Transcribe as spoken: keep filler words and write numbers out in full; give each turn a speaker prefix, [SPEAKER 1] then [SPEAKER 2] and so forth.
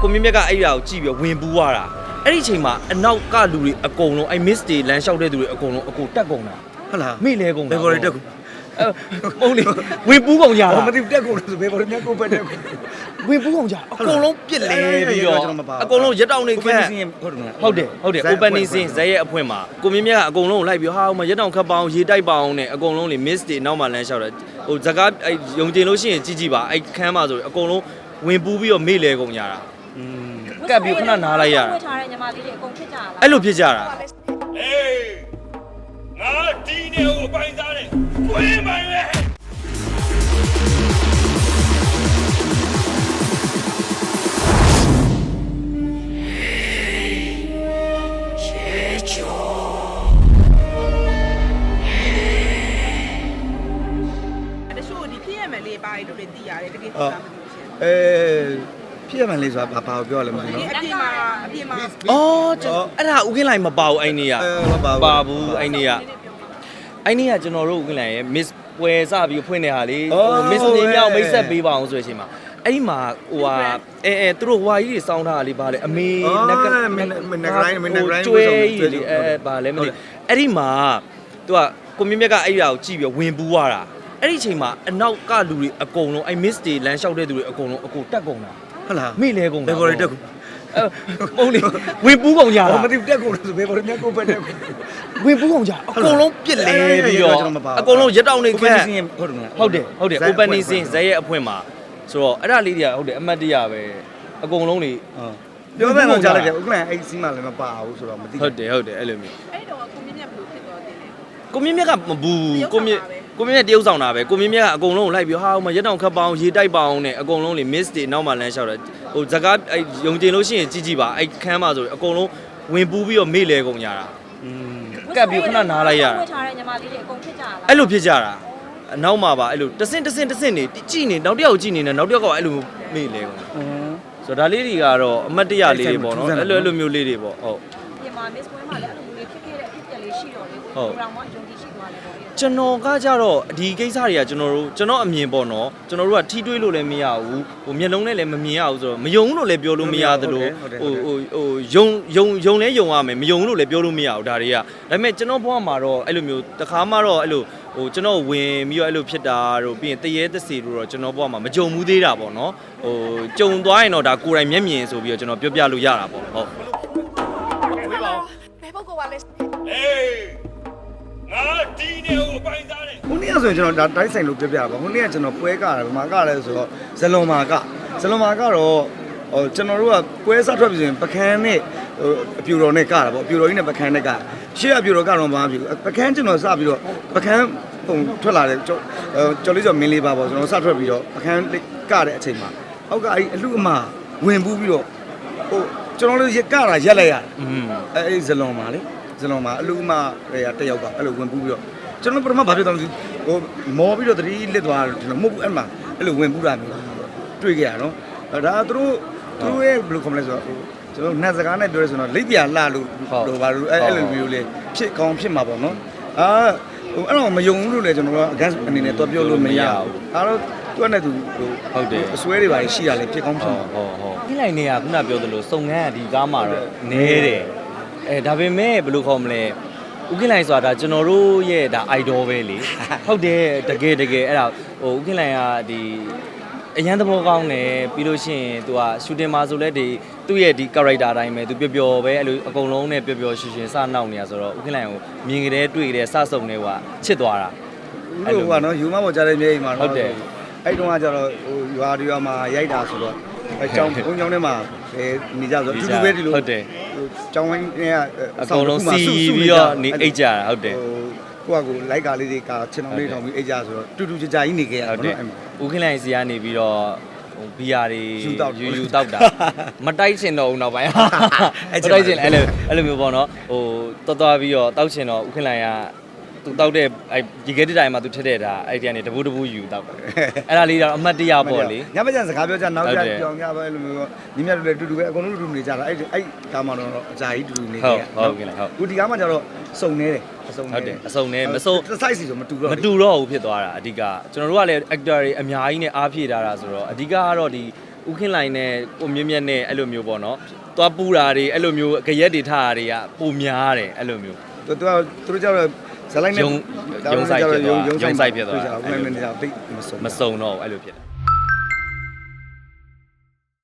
[SPEAKER 1] ကိုမြင့်မြတ်ကအဲ့ဒါကိုကြည့်ပြီးဝင်ပူးသွားတာအဲ့ဒီအချိန်မှာအနောက်ကလူတွေအကုန်လုံးအဲ့ miss တွေလမ်းလျှောက်တဲ့သူတွေအကုန်လုံးအကိုတက်ကုန်တာဟုတ်လားမိလဲကုန်တာဘယ်ပေါ်တက်ကုန်မဟုတ်လေဝင်ပူးကုန်ကြတာ
[SPEAKER 2] မသိတက်ကုန်လို့ဆိုဘယ်ပေါ်မြတ်ကိုပဲတက်ကုန်
[SPEAKER 1] ဝင်ပူးကုန်ကြအကုန်လုံးပြစ်လဲပြီးတော့အကုန်လုံးရက်တောင်နေခက်ဟုတ်တယ်ဟုတ်တယ် opening scene ဇက်ရဲ့အဖွင့်မှာကိုမြင့်မြတ်ကအကုန်လုံးကိုလိုက်ပြီးဟာဟိုမှာရက်တောင်ခတ်ပေါအောင်ရေတိုက်ပါအောင်နဲ့အကုန်လုံးလေ miss တွေနောက်မှလမ်းလျှောက်တယ်ဟိုဇကားအဲ့ယုံကျင်လို့ရှိရင်ကြည့်ကြည့်ပါအဲ့ခန်းမှာဆိုအကုန်လုံးဝင်ပူးပြီးတော့မိလဲကုန်ကြတာอืมကပ်ပြီးခဏနားလိုက်ရတာ
[SPEAKER 3] ထားတဲ့ညီမလေးတွေအကုန်ဖြစ်ကြလား
[SPEAKER 1] အဲ့လိုဖြစ်ကြတာ
[SPEAKER 4] အေးငါဒီနေကိုပိုင်စားတယ်ကိုင်းပိုင်လေ
[SPEAKER 2] ဘာလို့လဲတည်ရတယ်တကယ်ဖြစ်တာမသိဘူးရှင်အဲဖြစ်ရမှန်းလေးဆိုတာဘာဘာကိုပြောရလဲမသိဘူးနော်အပြင်မှာအပြင်မှာ
[SPEAKER 1] အော်အဲ့ဒါဦးကင်းလိုက်မပါဘူးအဲ့နေ့ကမပါဘူးအဲ့နေ့ကအဲ့နေ့ကကျွန်တော်တို့ဦးကင်းလိုက်ရဲ့ miss ပွဲစပြီးဖွင့်နေတာလေဟို miss နေမြောက်မိတ်ဆက်ပေးပါအောင်ဆိုတဲ့အချိန်မှာအဲ့ဒီမှာဟိုဟာအဲအဲသူတို့ဟွာကြီးတွေစောင်းထားတာလေးပါလေအမေနက်က
[SPEAKER 2] မနက်ဂရိုင်းမနက်ဂရိုင်း
[SPEAKER 1] ကျွဲကြီးလေအဲပါလေမသိအဲ့ဒီမှာသူကကိုမြင့်မြတ်ကအဲ့ဒါကိုကြည့်ပြီးဝင်ပူးသွားတာအဲ့ဒီအချိန်မှာအနောက်ကလူတွေအကုန်လုံးအဲ့ miss တွေလမ်းလျှောက်တဲ့သူတွေအကုန်လုံးအကိုတက်ကုန်တာ
[SPEAKER 2] ဟုတ်လား
[SPEAKER 1] မိလဲကုန်တာ
[SPEAKER 2] ဘယ်ပေါ်တက်ကုန်
[SPEAKER 1] မဟုတ်လေဝင်ပူးကုန်ကြတာ
[SPEAKER 2] မသိတက်ကုန်လို့ဆိုဘယ်ပေါ်မြတ်ကိုပဲတက်ကုန်
[SPEAKER 1] ဝင်ပူးကုန်ကြအကုန်လုံးပြစ်လဲပြီးတော့အကုန်လုံးရက်တောင်နေခက်ဟုတ်တယ်ဟုတ်တယ် opening scene ဇက်ရဲ့အဖွင့်မှာဆိုတော့အဲ့ဒါလေးတွေကဟုတ်တယ်အမှတ်တရပဲအကုန်လုံးတွေ
[SPEAKER 2] ပြောမယ်တော့ကြားလိုက်တယ်ဥက္ကလန်အဲ့စီးမှလည်းမပါဘူးဆိုတော့မသိ
[SPEAKER 1] ဟုတ်တယ်ဟုတ်တယ်အဲ့လိုမျိုး
[SPEAKER 3] အဲ့တော့ကိုမြင့်မြတ်ဘယ်လိုဖြစ်သွားတယ်လဲ
[SPEAKER 1] ကိုမြင့်မြတ်ကမဘူးကိုမြင့်ကိုမြင့်မြတ်တရုပ်ဆောင်တာပဲကိုမြင့်မြတ်ကအကုန်လုံးကိုလိုက်ပြီးဟာဟိုမှာရက်တောင်ခတ်ပေါအောင်ရေတိုက်ပါအောင်နဲ့အကုန်လုံးလေ miss တွေနောက်မှလမ်းလျှောက်တယ်ဟိုဇကားအဲ့ယုံကျင်လို့ရှိရင်ကြည့်ကြည့်ပါအဲ့ခန်းမှာဆိုအကုန်လုံးဝင်ပူးပြီးတော့မိလဲကုန်ကြတာอืมကပ်ပြီးခဏနားလိုက်ရတာ
[SPEAKER 3] ထားတဲ့ညီမလေးတွေအကုန်ဖြစ်ကြလား
[SPEAKER 1] အဲ့လိုဖြစ်ကြတာအနောက်မှာပါအဲ့လိုတဆင့်တဆင့်တဆင့်နေကြည့်နေနောက်တစ်ယောက်ကြည့်နေနေနောက်တစ်ယောက်ကအဲ့လိုမိလဲကုန်တာဆိုတော့ဒါလေးတွေကတော့အမတ်တရလေးတွေပေါ့နော်အဲ့လိုအဲ့လိုမျိုးလေးတွေပေါ့ဟုတ်
[SPEAKER 3] ဒီမှာ miss ပွဲမှာလည်းအဲ့လိုမျိုးဖြစ်ခဲ့တဲ့အဖြစ်အပျက်လေးရှိတော့လေကိုရောင်မယုံကြည်ရှိသွားတယ်ပေါ့
[SPEAKER 1] ကျွန်တော်ကကြတော့ဒီကိစ္စတွေကကျွန်တော်တို့ကျွန်တော်အမြင်ပေါ့နော်ကျွန်တော်တို့ကထီးတွေးလို့လည်းမရဘူးဟိုမျက်လုံးနဲ့လည်းမမြင်ရဘူးဆိုတော့မယုံလို့လည်းပြောလို့မရသလိုဟိုဟိုဟိုယုံယုံယုံလဲယုံရမယ်မယုံလို့လည်းပြောလို့မရဘူးဒါတွေကဒါပေမဲ့ကျွန်တော်ဘဝမှာတော့အဲ့လိုမျိုးတခါမှတော့အဲ့လိုဟိုကျွန်တော်ဝင်ပြီးတော့အဲ့လိုဖြစ်တာတို့ပြီးရင်တရေတစီတို့တော့ကျွန်တော်ဘဝမှာမကြုံဘူးသေးတာပေါ့နော်ဟိုကြုံသွားရင်တော့ဒါကိုယ်တိုင်မျက်မြင်ဆိုပြီးတော့ကျွန်တော်ပြောပြလို့ရတာပေါ့ဟုတ်
[SPEAKER 3] ဘယ်ပုဂ္ဂိုလ်ပါလဲ
[SPEAKER 4] အေးငါဒီနေကိုပိုင်စားတယ်
[SPEAKER 2] ခုနေ့ဆိုရင်ကျွန်တော်ဒါတိုင်းဆိုင်လို့ပြောပြပါခုနေ့ကကျွန်တော်ပွဲကတယ်ဗမာကလည်းဆိုတော့ဇလွန်မာကဇလွန်မာကတော့ဟိုကျွန်တော်တို့ကပွဲစားထွက်ပြီဆိုရင်ပကန်းနဲ့ဟိုအပြူတော်နဲ့ကတာပေါ့အပြူတော်ကြီးနဲ့ပကန်းနဲ့ကရှေ့အပြူတော်ကတော့မပါဘူးပကန်းကျွန်တော်စပြီးတော့ပကန်းပုံထွက်လာတယ်ကျော်ကျော်လေးကျော်မင်းလေးပါပေါ့ကျွန်တော်စထွက်ပြီးတော့ပကန်းကတဲ့အချိန်မှာအောက်ကအဲ့အလူအမဝင်ပူးပြီးတော့ဟိုကျွန်တော်တို့ရကတာရက်လိုက်ရတယ်အဲအဲ့ဇလွန်မာလေဇလွန်မာအလူအမတွေကတယောက်ကအဲ့လိုဝင်ပူးပြီးတော့ကျွန်တော်ပထမဘာဖြစ်သွားလဲဟိုမော်ပြီးတော့တတိလစ်သွားတယ်ကျွန်တော်မဟုတ်ဘူးအဲ့မှာအဲ့လိုဝင်ပူးတာမျိုးတွေ့ကြရနော်ဒါသူတို့သူတို့ရဲ့ဘယ်လိုခေါ်မလဲဆိုတော့ကျွန်တော်နှက်စကားနဲ့ပြောရဲဆိုတော့လိပ်ပြာလှလို့လို့ဘာလို့အဲ့အဲ့လိုမျိုးလေးဖြစ်ကောင်းဖြစ်မှာပေါ့နော်အာဟိုအဲ့တော့မယုံဘူးလို့လည်းကျွန်တော်က against အနေနဲ့တော့ပြောလို့မရဘူးအဲ့တော့သူကလည်းသူဟို
[SPEAKER 1] ဟုတ်တယ်
[SPEAKER 2] အစွဲတွေပါရှိရလေဖြစ်ကောင်းဖြစ်မှာ
[SPEAKER 1] ဟုတ်ဟုတ်ဒီလိုက်နေကခုနပြောသလိုစုံငန်းကဒီကားမှာတော့နဲတယ်အဲဒါပေမဲ့ဘယ်လိုခေါ်မလဲဦးကင်းလိုင်ဆိုတာဒါကျွန်တော်တို့ရဲ့ဒါ idol ပဲလေဟုတ်တယ်တကယ်တကယ်အဲ့ဒါဟိုဦးကင်းလိုင်ကဒီအရန်သဘောကောင်းတယ်ပြီးလို့ရှိရင် तू က shooting မှာဆိုလဲဒီသူ့ရဲ့ဒီ character အတိုင်းပဲ तू ပျော်ပျော်ပဲအဲ့လိုအကုန်လုံးနဲ့ပျော်ပျော်ရွှင်ရွှင်စနောက်နေရဆိုတော့ဦးကင်းလိုင်ကိုမြင်ကြတဲ့တွေ့ကြတဲ့စဆုံနေကချစ်သွားတာ
[SPEAKER 2] အဲ့လိုကနော်ယူမပေါ်ကြားတဲ့မြေအိမ်မှာ
[SPEAKER 1] ဟုတ်တယ်
[SPEAKER 2] အဲ့တုန်းကကျတော့ဟိုရွာတွေရွာမှာရိုက်တာဆိုတော့အကြောင်းဘုံကြောင်းထဲမှာအဲနေကြဆိုတော့အတူတူပဲဒီလို
[SPEAKER 1] ဟုတ်တယ်
[SPEAKER 2] ဟိုကျောင်းဝင်းတွေကအ
[SPEAKER 1] ကုန်လုံးစီပြီးတော့နေအိတ်ကြတာဟုတ်တယ်
[SPEAKER 2] ကိုကကိုလိုက်ကားလေးတွေကခြေထောင်လေးထောင်ပြီးအိတ်ကြဆိုတော့တူတူကြကြကြီးနေခဲ့ရတာနော်အဲ့မှာ
[SPEAKER 1] ဦးခင်လိုင်စီကနေပြီးတော့ဘီယာတွေယူယူတောက်တာမတိုက်ချင်တော့ဘူးနောက်ပိုင်းမတိုက်ချင်အဲ့လိုအဲ့လိုမျိုးပေါ့နော်ဟိုတော်တော်ပြီးတော့တောက်ချင်တော့ဦးခင်လိုင်ကသူတောက်တဲ့အဲ့ဒီကဲတဲ့တိုင်မှာသူထက်တဲ့ဒါအဲ့ဒီကနေတပူးတပူးယူတောက်တယ်အဲ့ဒါလေးတော့အမှတ်တရပေါ့လေ
[SPEAKER 2] ညမကျန်စကားပြောကြနောက်ကြပြောင်းကြပဲအဲ့လိုမျိုးညီမတို့လည်းတူတူပဲအကုန်လုံးတူတူနေကြတာအဲ့အဲ့ကားမှတော့အကြာကြီးတူတူနေခဲ့ရ
[SPEAKER 1] ဟုတ်ကဲ့ဟုတ်
[SPEAKER 2] ခုဒီကားမှကျတော့စုံနေတယ်အစုံ
[SPEAKER 1] ဟုတ်တယ်အစုံနေမစုံ
[SPEAKER 2] size ဆိုမတူတော့
[SPEAKER 1] မတူတော့ဘူးဖြစ်သွားတာအဓိကကျွန်တော်တို့ကလည်း actor တွေအများကြီးနဲ့အားဖြည့်ထားတာဆိုတော့အဓိကကတော့ဒီဟဥခင်လိုင်းနဲ့ကိုမြင့်မြတ်နဲ့အဲ့လိုမျိုးပေါ့နော်သွားပူတာတွေအဲ့လိုမျိုးကြရက်တွေထားတာတွေကပုံများတယ်အဲ့လိုမျိုး
[SPEAKER 2] သူသူသူတို့ကြောက်ဇလိုက်နဲ့
[SPEAKER 1] ရုံရုံဆိုင်ဖြစ်သွားရုံဆိုင်ဖြစ်သွား
[SPEAKER 2] အဲ့လိုနေကြတိတ်မစုံ
[SPEAKER 1] မစုံတော့အဲ့လိုဖြစ်တယ်